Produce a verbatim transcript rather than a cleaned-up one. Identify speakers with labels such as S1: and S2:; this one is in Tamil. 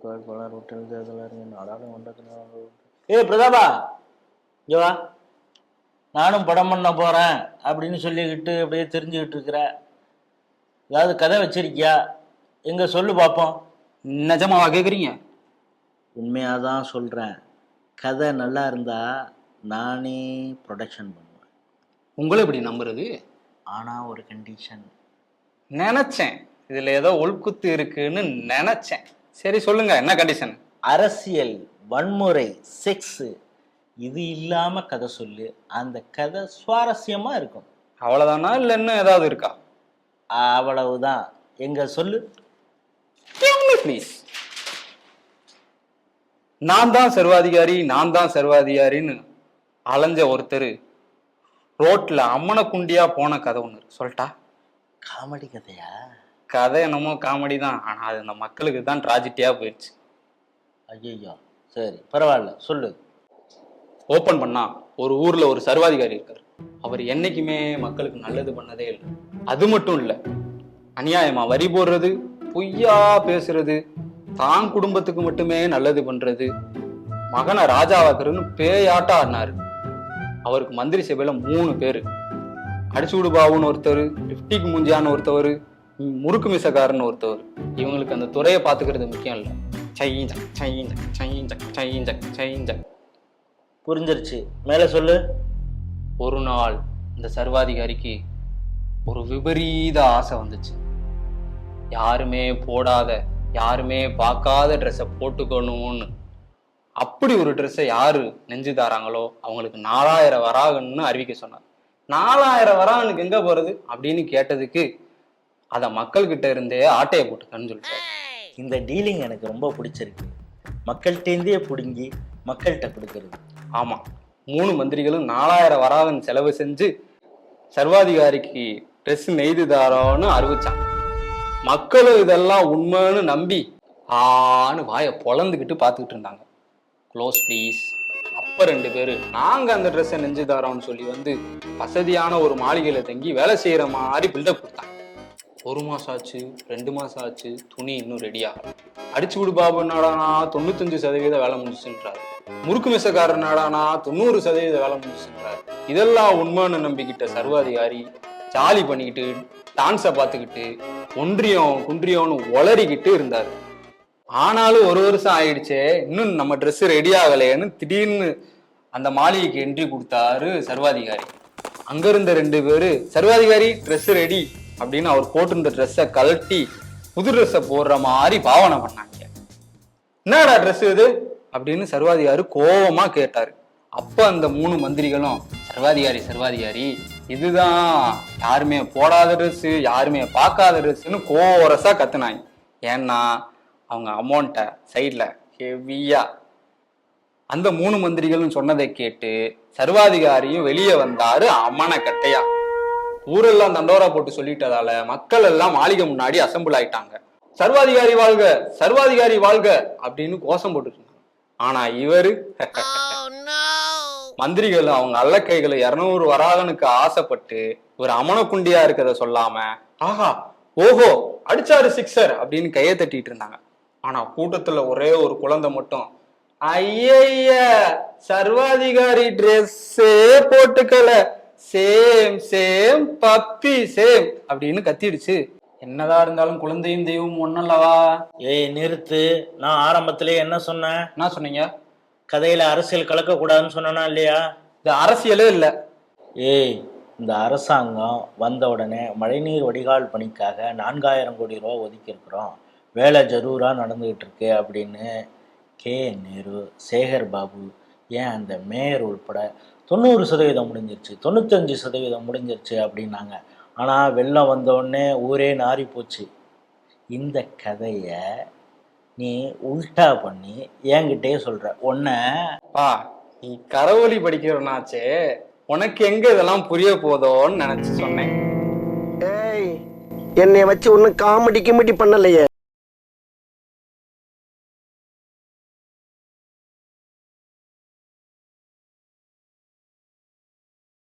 S1: வேட்பாளர் ஹோட்டல் தேர்தல் நாடாளுமன்றத்தில். ஏ பிரதாபா, இங்க வா. நானும் படம் பண்ண போறேன் அப்படின்னு சொல்லிக்கிட்டு அப்படியே தெரிஞ்சுக்கிட்டு இருக்கிற ஏதாவது கதை வச்சிருக்கியா? எங்க சொல்லு பார்ப்போம்.
S2: நிஜமாவா கேட்குறீங்க?
S1: உண்மையாதான் சொல்றேன். கதை நல்லா இருந்தா நானே ப்ரொடக்ஷன் பண்ணுவேன்.
S2: உங்களை எப்படி நம்புறது?
S1: ஆனா ஒரு கண்டிஷன்.
S2: நினைச்சேன் இதுல ஏதோ உள்குத்து இருக்குன்னு நினைச்சேன். சரி சொல்லுங்க, என்ன கண்டிஷன்?
S1: அரசியல், வன்முறை, செக்ஸ் இது இல்லாம கதை சொல்லு. அந்த கதை சுவாரஸ்யமா இருக்கும்.
S2: அவ்வளவுதானா இல்ல இன்னும் ஏதாவது இருக்கா?
S1: அவ்வளவுதான். எங்க சொல்லு
S2: ப்ளீஸ். நான் தான் சர்வாதிகாரி, நான் தான் சர்வாதிகாரின்னு அலைஞ்ச ஒருத்தர் ரோட்ல அம்மன குண்டியா போன கதை ஒண்ணு சொல்லட்டா?
S1: காமெடி கதையா?
S2: கதை என்னமோ காமெடி தான், ஆனா அது இந்த மக்களுக்கு தான் ட்ராஜடியா போயிடுச்சு.
S1: ஐயோ, சரி பரவாயில்ல சொல்லு.
S2: ஓப்பன் பண்ணா ஒரு ஊர்ல ஒரு சர்வாதிகாரி இருக்காரு. அவர் என்னைக்குமே மக்களுக்கு நல்லது பண்ணதே இல்லை. அது மட்டும் இல்ல, அநியாயமா வரி போடுறது, பொய்யா பேசுறது, தான் குடும்பத்துக்கு மட்டுமே நல்லது பண்றது, மகனை ராஜாவாக்குறதுன்னு பேயாட்டா ஆடினாரு. அவருக்கு மந்திரி சபையில மூணு பேரு. அடிச்சுடு பாபுன்னு ஒருத்தர், லிப்டிக் முஞ்சியான்னு ஒருத்தவர், முறுக்கு மிசக்காரன்னு ஒருத்தவர். இவங்களுக்கு அந்த துறையை பாத்துக்கிறது முக்கியம் இல்லை. சைஞ்சக் சைஞ்சக் சைஞ்சக் சைஞ்சக் சைஞ்சக்.
S1: புரிஞ்சிருச்சு, மேல சொல்லு.
S2: ஒரு நாள் இந்த சர்வாதிகாரிக்கு ஒரு விபரீத ஆசை வந்துச்சு. யாருமே போடாத, யாருமே பார்க்காத ட்ரெஸ்ஸை போட்டுக்கணும்னு. அப்படி ஒரு ட்ரெஸ்ஸை யாரு நெஞ்சு தாராங்களோ அவங்களுக்கு நாலாயிரம் வராகன்னு அறிவிக்க சொன்னார். நாலாயிரம் வராகனுக்கு எங்க போறது அப்படின்னு கேட்டதுக்கு அத மக்கள் கிட்ட இருந்தே ஆட்டையை போட்டுக்கன்னு சொல்லிட்டாரு.
S1: இந்த டீலிங் எனக்கு ரொம்ப பிடிச்சிருக்கு. மக்கள்கிட்டேருந்தே பிடுங்கி மக்கள்கிட்ட கொடுக்கறது.
S2: ஆமா, மூணு மந்திரிகளும் நாலாயிரம் வராகன் செலவு செஞ்சு சர்வாதிகாரிக்கு ட்ரெஸ் நெய்து தாரோன்னு அறிவிச்சாங்க. மக்களும் இதெல்லாம் உண்மைன்னு நம்பி ஆன்னு வாயை பொழந்துக்கிட்டு பார்த்துக்கிட்டு இருந்தாங்க. Close please. அப்ப ரெண்டு பேரு நாங்க அந்த ட்ரெஸ்ஸை நெஞ்சு தரோம்னு சொல்லி வந்து வசதியான ஒரு மாளிகையில தங்கி வேலை செய்யற மாதிரி பில்டப் கொடுத்தாங்க. ஒரு மாசம் ஆச்சு, ரெண்டு மாசம் ஆச்சு, துணி இன்னும் ரெடி ஆகல. அடிச்சு விடு பாபு நாடானா தொண்ணூத்தஞ்சு சதவீத வேலை முடிச்சுன்றாரு. முறுக்கு மிசக்காரர் நாடானா தொண்ணூறு சதவீத வேலை முடிச்சுன்றாரு. இதெல்லாம் உண்மைன்னு நம்பிக்கிட்ட சர்வாதிகாரி ஜாலி பண்ணிக்கிட்டு டான்ஸை பார்த்துக்கிட்டு ஒன்றியம் குன்றியம்னு ஒளறிக்கிட்டு இருந்தாரு. ஆனாலும் ஒரு வருஷம் ஆயிடுச்சே, இன்னும் நம்ம ட்ரெஸ் ரெடி ஆகலையேன்னு திடீர்னு அந்த மாளிகைக்கு என்ட்ரி கொடுத்தாரு சர்வாதிகாரி. அங்க இருந்த ரெண்டு பேரு சர்வாதிகாரி ட்ரெஸ் ரெடி அப்படின்னு அவர் போட்டிருந்த ட்ரெஸ்ஸை கழட்டி புது ட்ரெஸ்ஸை போடுற மாதிரி பாவனை பண்ணாங்க. என்னடா ட்ரெஸ் இது அப்படின்னு சர்வாதிகாரி கோபமா கேட்டாரு. அப்ப அந்த மூணு மந்திரிகளும் சர்வாதிகாரி சர்வாதிகாரி இதுதான் யாருமே போடாத ட்ரெஸ், யாருமே பார்க்காத ட்ரெஸ்ன்னு கோரஸா கத்துனாங்க. ஏன்னா அவங்க அமௌண்ட்டை சைட்ல ஹெவியா. அந்த மூணு மந்திரிகளும் சொன்னதை கேட்டு சர்வாதிகாரியும் வெளியே வந்தாரு அம்மன கட்டையா. ஊரெல்லாம் தண்டோரா போட்டு சொல்லிட்டதால மக்கள் எல்லாம் மாளிகை முன்னாடி அசம்பிள் ஆயிட்டாங்க. சர்வாதிகாரி வாழ்க, சர்வாதிகாரி வாழ்க அப்படின்னு கோஷம் போட்டு இருந்தாங்க. ஆனா இவரு மந்திரிகள் அவங்க அல்லக்கைகளை இருநூறு வராகனுக்கு ஆசைப்பட்டு ஒரு அமனக்குண்டியா இருக்கிறத சொல்லாம ஆஹா ஓஹோ அடிச்சாரு சிக்ஸர் அப்படின்னு கையை தட்டிட்டு இருந்தாங்க. ஆனா கூட்டத்துல ஒரே ஒரு குழந்தை மட்டும் ஐய சர்வாதிகாரி ட்ரெஸ்ஸே போட்டுக்கல, சேம் சேம் பப்பி சேம் அப்படின்னு கத்திடுச்சு. என்னதான் இருந்தாலும் குழந்தையும் தெய்வம் ஒன்னல்லவா?
S1: ஏய் நிறுத்து. நான் ஆரம்பத்திலே என்ன சொன்னேன்?
S2: என்ன சொன்னீங்க?
S1: கதையில அரசியல் கலக்க கூடாதுன்னு சொன்னா இல்லையா?
S2: இது அரசியலே இல்ல.
S1: ஏய், இந்த அரசாங்கம் வந்த உடனே மழைநீர் வடிகால் பணிக்காக நான்காயிரம் கோடி ரூபா ஒதுக்கி இருக்கிறோம், வேலை ஜரூரா நடந்துகிட்டு இருக்கு அப்படின்னு கே நேரு, சேகர் பாபு, ஏன் அந்த மேயர் உள்பட தொண்ணூறு சதவீதம் முடிஞ்சிருச்சு, தொண்ணூத்தஞ்சு சதவீதம் முடிஞ்சிருச்சு அப்படின்னாங்க. ஆனால் வெள்ளம் வந்தோடனே ஊரே நாரி போச்சு. இந்த கதையை நீ உல்டா பண்ணி என்கிட்டே சொல்ற. ஒன்ன
S2: பா நீ கரவொலி படிக்கிறனாச்சே, உனக்கு எங்க இதெல்லாம் புரிய போதோன்னு நினைச்சு சொன்னேன்.
S3: ஏய், என்னை வச்சு ஒன்னும் காமெடி கிமெடி பண்ணலையே.